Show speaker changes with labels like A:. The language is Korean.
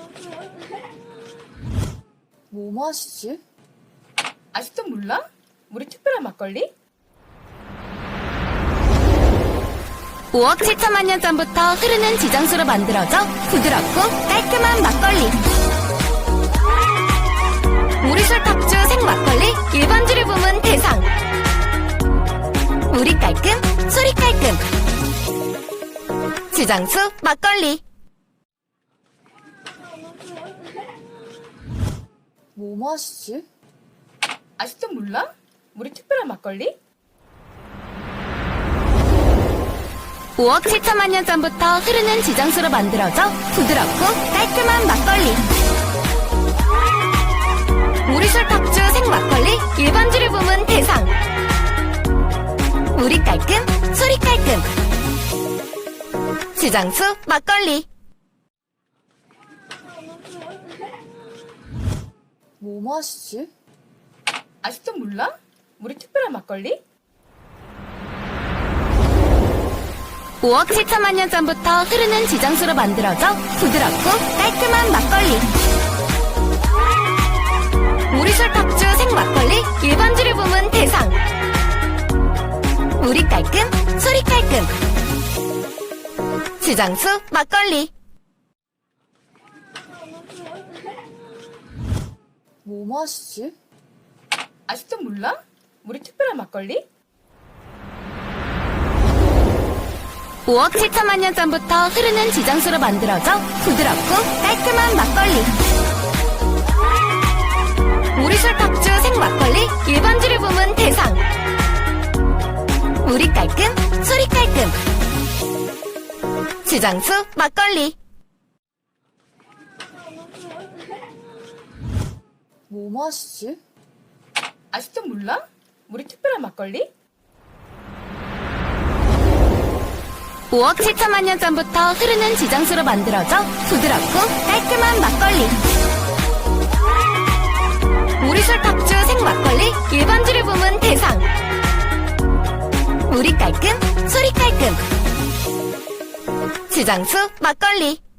A: 뭐 마시지?
B: 아직도 몰라? 우리 특별한 막걸리?
C: 5억 7천만 년 전부터 흐르는 지정수로 만들어져 부드럽고 깔끔한 막걸리. 우리술 탑주 생막걸리 1번주를 부문 대상. 우리 깔끔, 소리 깔끔. 지정수 막걸리.
A: 뭐 마시지?
B: 아직도 몰라? 우리 특별한 막걸리?
C: 5억 7천만 년 전부터 흐르는 지정수로 만들어져 부드럽고 깔끔한 막걸리. 우리술 탑주 생막걸리 1번주를 부문 대상. 우리 깔끔, 소리 깔끔. 지정수 막걸리.
A: 뭐 마시지?
B: 아직도 몰라? 우리 특별한 막걸리?
C: 5억 7천만 년 전부터 흐르는 지정수로 만들어져 부드럽고 깔끔한 막걸리. 우리술 탑주 생막걸리 1번주를 부문 대상. 우리 깔끔, 소리 깔끔. 지정수 막걸리.
A: 뭐 마시지?
B: 아직도 몰라? 우리 특별한 막걸리?
C: 5억 7천만 년 전부터 흐르는 지정수로 만들어져 부드럽고 깔끔한 막걸리. 우리술 탑주 생막걸리 1번주를 부문 대상. 우리 깔끔, 소리 깔끔. 지정수 막걸리.
A: 뭐 마시지?
B: 아직도 몰라? 우리 특별한 막걸리?
C: 5억 7천만 년 전부터 흐르는 지정수로 만들어져 부드럽고 깔끔한 막걸리. 우리술 탑주 생막걸리 1번주를 부문 대상. 우리 깔끔, 소리 깔끔. 지정수 막걸리.